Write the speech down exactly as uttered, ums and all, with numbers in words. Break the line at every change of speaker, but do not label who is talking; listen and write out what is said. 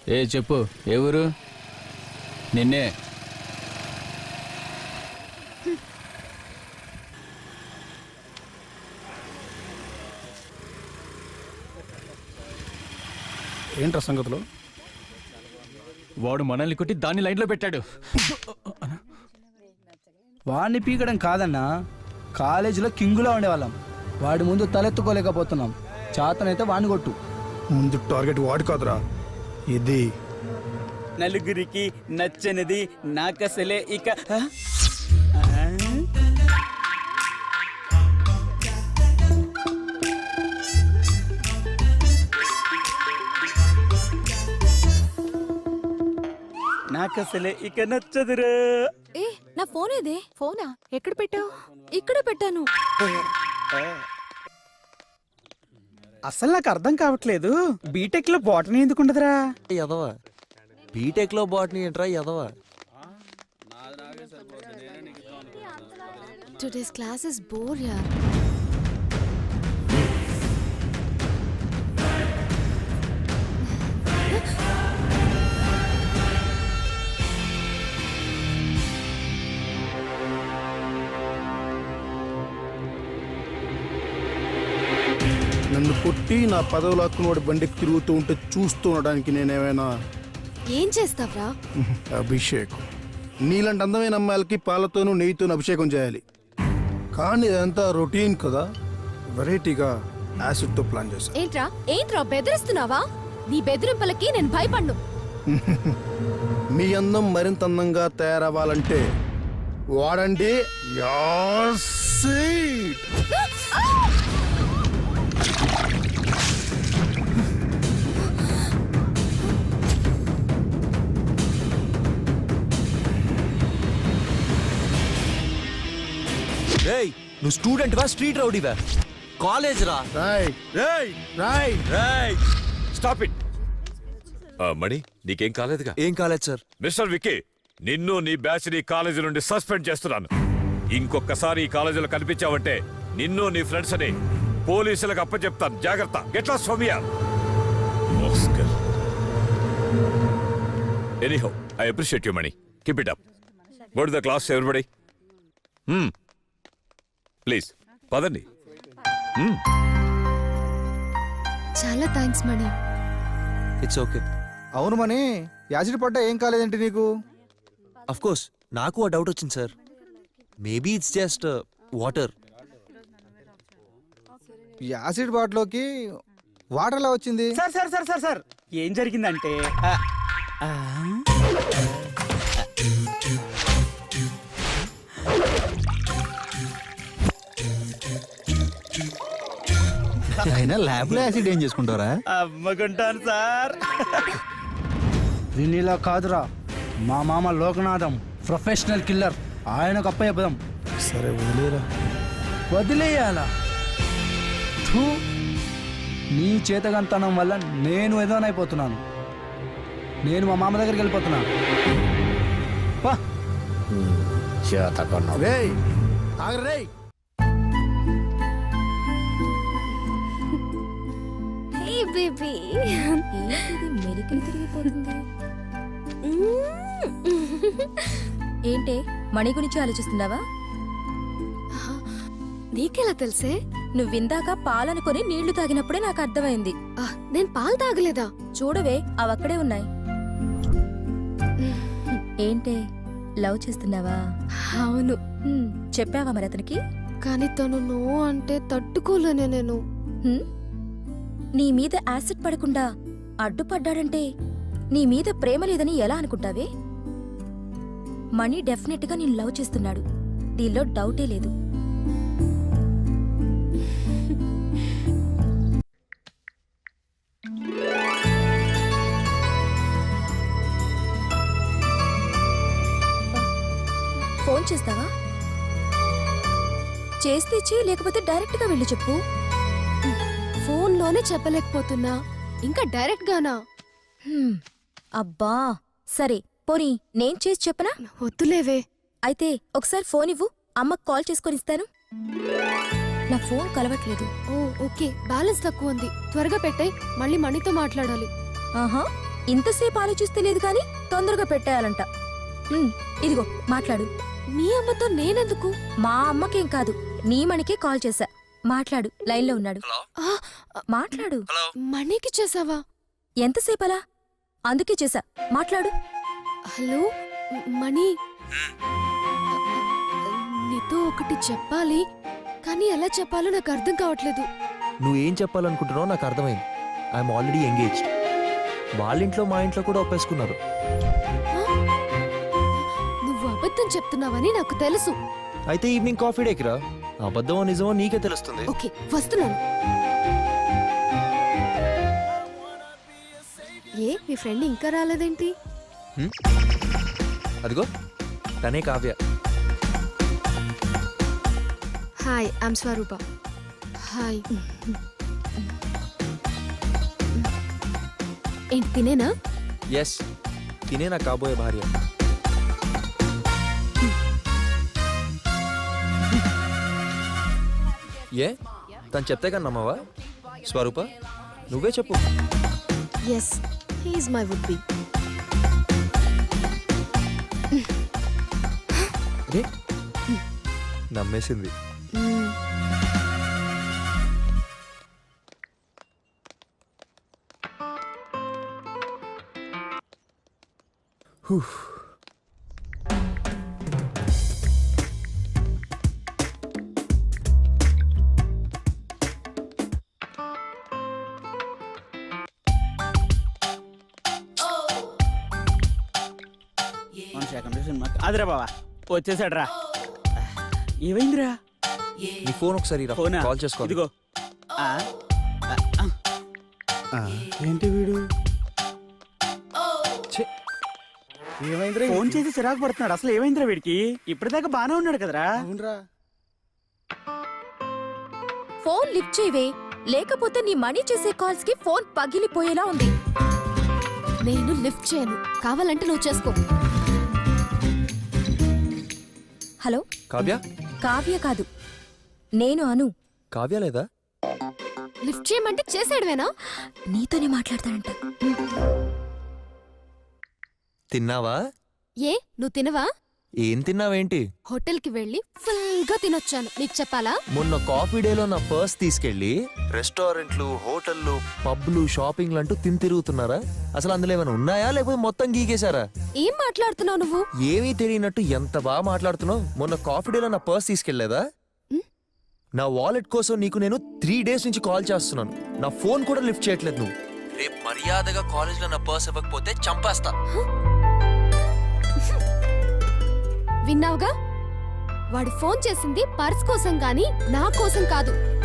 ఏ చెప్పు, ఏ ఊరు? నిన్నే.
ఏంట్రా సంగతులు?
వాడు మనల్ని కొట్టి దాన్ని లైన్లో పెట్టాడు.
వాడిని పీకడం కాదన్నా, కాలేజీలో కింగులా ఉండేవాళ్ళం. వాడి ముందు తలెత్తుకోలేకపోతున్నాం. చాతనైతే వాడిని కొట్టు.
ముందు టార్గెట్ వాడు కాదురా, ఇది.
నలుగురికి నచ్చనిది నాకసలే ఇక ఆ? నాకసలే ఇక నచ్చదురా.
ఏ నా ఫోన్ ఏదే? ఫోనా ఎక్కడ పెట్టావు? ఇక్కడ పెట్టాను.
అసలు నాకు అర్థం కావట్లేదు, బీటెక్ లో బాటనీ ఎందుకు ఉండదురా?
ఎదవా బీటెక్ లో బాటనీ ఏంట్రా ఎదవా?
టుడేస్ క్లాస్ ఇస్ బోర్ యార్.
నన్ను కొట్టి నా పదవులు హక్కును వాడి బండికి తిరుగుతూ ఉంటే చూస్తూ ఉండడానికి నేనేమైనా
ఏం చేస్తావ్రా?
అభిషేకం? నీలాంటి అందమైన అమ్మాయిలకి పాలతోనూ నెయ్యితోనూ అభిషేకం చేయాలి. కానీ ఇదంతా రొటీన్ కదా, వెరైటీగా యాసిడ్తో ప్లాన్ చేశాను.
ఏంట్రా ఏంట్రా బెదిరిస్తున్నావా? నీ బెదిరింపులకి నేను భయపడ్ను.
మీ అందం మరింత అందంగా తయారవ్వాలంటే వాడండి యాసిడ్.
రేయ్ నువ్వు స్టూడెంట్ వా స్ట్రీట్ రౌడీవా? కాలేజ్ రా.
రాయ్
రేయ్
రాయ్
రేయ్
స్టాప్ ఇట్. మణి, నీకేం కాలేదుగా?
ఏం కాలేజ్ సార్?
మిస్టర్ విక్కీ, నిన్ను నీ బ్యాచ్ నీ కాలేజీ నుండి సస్పెండ్ చేస్తున్నాను. ఇంకొకసారి ఈ కాలేజీలో కనిపించావంటే నిన్ను నీ ఫ్రెండ్స్ అని పోలీసులకు అప్పచెప్తాను. జాగ్రత్త. Get lost from here. Anyhow, I appreciate you Mani. Keep it up. Go to the class everybody. Please పదండి.
చాలా థ్యాంక్స్ మణి.
It's okay.
అవును మని, యాసిడ్ పడ్డా ఏం కాలేదేంటి నీకు?
అఫ్ కోర్స్ నాకు ఆ డౌట్ వచ్చింది sir. Maybe it's just water.
Acid బాటిల్లోకి వాటర్ ఎలా వచ్చింది?
Sir sir sir sir sir ఏం జరిగిందంటే ఆ, ఆ,
అయినా ల్యాబ్ లో యాసిడ్ ఏం చేసుకుంటారా?
అమ్మకుంటాను సార్.
దీనిలా కాదురా, మా మామ లోకనాథం ప్రొఫెషనల్ కిల్లర్. ఆయనకు అప్ప చెప్పదాం.
సరే వదిలేరా.
వదిలేయాలా? థూ, నీ చేతగంతనం వల్ల నేను ఎదోనైపోతున్నాను. నేను మా మామ దగ్గరికి వెళ్ళిపోతున్నాను. పా.
రేయ్ ఆగరా రేయ్.
Hey baby. ఏంటిది మెలికలు తిరిగిపోతుంది?
ఏంటే మణి గురించి ఆలోచిస్తున్నావా?
నీకెలా తెలుసే?
నువ్విందాక పాలనుకొని నీళ్లు తాగినప్పుడే నాకు అర్థమైంది.
ఆ, నేను పాలు తాగలేదా?
చూడవే, అవక్కడే ఉన్నాయి. ఏంటే లవ్ చేస్తున్నావా?
అవును.
హ్మ్, చెప్పావా మరి అతనికి?
కానీ తను నో అంటే తట్టుకోలేనే నేను.
హ్మ్? నీ మీద యాసిడ్ పడకుండా అడ్డుపడ్డాడంటే నీ మీద ప్రేమ లేదని ఎలా అనుకుంటావే? మణి డెఫినెట్ గా నేను లవ్ చేస్తున్నాడు, దీనిలో డౌటే లేదు. ఫోన్ చేస్తావా? చేస్తే చెయ్యి, లేకపోతే డైరెక్ట్ గా వెళ్ళి చెప్పు.
ఫోన్లోనే చెప్పలేకపోతున్నా, ఇంకా డైరెక్ట్ గానా?
హ్మ్, అబ్బా సరే పోనీ నేను చేసి చెప్పనా?
వద్దులేవే.
అయితే ఒకసారి ఫోన్ ఇవ్వు, అమ్మకు కాల్ చేసుకొని ఇస్తాను. నా ఫోన్ కలవట్లేదు.
ఓ ఓకే, బ్యాలెన్స్ తక్కువ ఉంది. త్వరగా పెట్టాయి, మళ్ళీ మణితో మాట్లాడాలి.
ఆహా, ఇంతసేపు ఆలోచిస్తే లేదు కానీ తొందరగా పెట్టేయాలంట. ఉమ్, ఇదిగో మాట్లాడు.
మీ అమ్మతో నేనెందుకు?
మా అమ్మకేం కాదు, నీ మణికే కాల్ చేశా. మాట్లాడు, లైన్లో ఉన్నాడు.
ఆ,
మాట్లాడు.
మణికి చేసావా?
ఎంతసేపలా? అందుకే చేశా, మాట్లాడు.
హలో మ- మణి, నీతో ఒకటి చెప్పాలి, కానీ ఎలా చెప్పాలో నాకు అర్థం కావట్లేదు.
నువ్వేం చెప్పాలనుకుంటున్నావు నాకు అర్థమైంది. I'm already engaged. వాళ్ళ ఇంట్లో మా ఇంట్లో కూడా ఒప్పేసుకున్నారు.
నువ్వు అబద్ధం చెప్తున్నావని నాకు తెలుసు.
అయితే ఈవినింగ్ కాఫీ డేకి రా. అబద్ధమో నిజమో నీకే తెలుస్తుంది.
ఓకే, వస్తున్నాను. ఏ మీ ఫ్రెండ్ ఇంకా రాలేదేంటి?
హ్మ్? అదిగో తనే Kavya.
Hi, I'm Swaroopa. Hi. ఏంటి తినేనా?
ఎస్, తినే నా కాబోయే భార్య. ఏ తను చెప్తే కానీ నమ్మవా? స్వరూప నువ్వే చెప్పు.
Yes, he's my would be.
అదే నమ్మేసింది.
అదిరా బావా, వచ్చేసాడు రా. ఏమైందిరా?
నీ ఫోన్ ఒకసారి రా,
ఫోనా?
కాల్ చేసుకో.
ఇదిగో. ఆ, ఆ, ఆ. ఏంటి వీడు ఫోన్ చేసి చిరాకు పడుతున్నాడు. అసలు ఏమైందిరా వీడికి? ఇప్పటిదాకా బానే ఉన్నాడు కదరా?
ఫోన్ లిఫ్ట్ చేయవే, లేకపోతే నీ మణి చేసే కాల్స్ కి ఫోన్ పగిలిపోయేలా ఉంది.
నేను లిఫ్ట్ చేయను, కావాలంటే నువ్వు చేసుకో.
హలో,
కావ్య?
కావ్య కాదు, నేను అను.
కావ్య లేదా?
లిఫ్ట్ చేయమంటే చేసాడువేనా?
నీతోనే మాట్లాడతాడంట.
తిన్నావా?
ఏ నువ్వు తినవా?
ఏం తిన్నావేంటి?
హోటల్ కి వెళ్ళి ఫుల్ గా తినొచ్చాను, నీకు చెప్పాలా?
మొన్న కాఫీ డేలో నా పర్స్ తీసుకెళ్లి రెస్టారెంట్లు, హోటళ్లు, పబ్లు, షాపింగ్లు అంటూ తిని తిరుగుతున్నారా? అసలు అందులో ఏమైనా ఉన్నాయా లేకపోతే మొత్తం గీకేశారా?
ఏం మాట్లాడుతున్నావు నువ్వు?
ఏమీ తెలియనట్టు ఎంత బాగా మాట్లాడుతున్నావు. మొన్న కాఫీ డేలో నా పర్స్ తీసుకెళ్లేదా?
ఉమ్.
నా వాలెట్ కోసం నీకు నేను త్రీ డేస్ నుంచి కాల్ చేస్తున్నాను. నా ఫోన్ కూడా లిఫ్ట్ చేయట్లేదు నువ్వు. రేపు మర్యాదగా కాలేజ్ లో నా పర్స్ ఇవ్వకపోతే చంపేస్తా.
విన్నావుగా, వాడు ఫోన్ చేసింది పర్స్ కోసం గాని నా కోసం కాదు.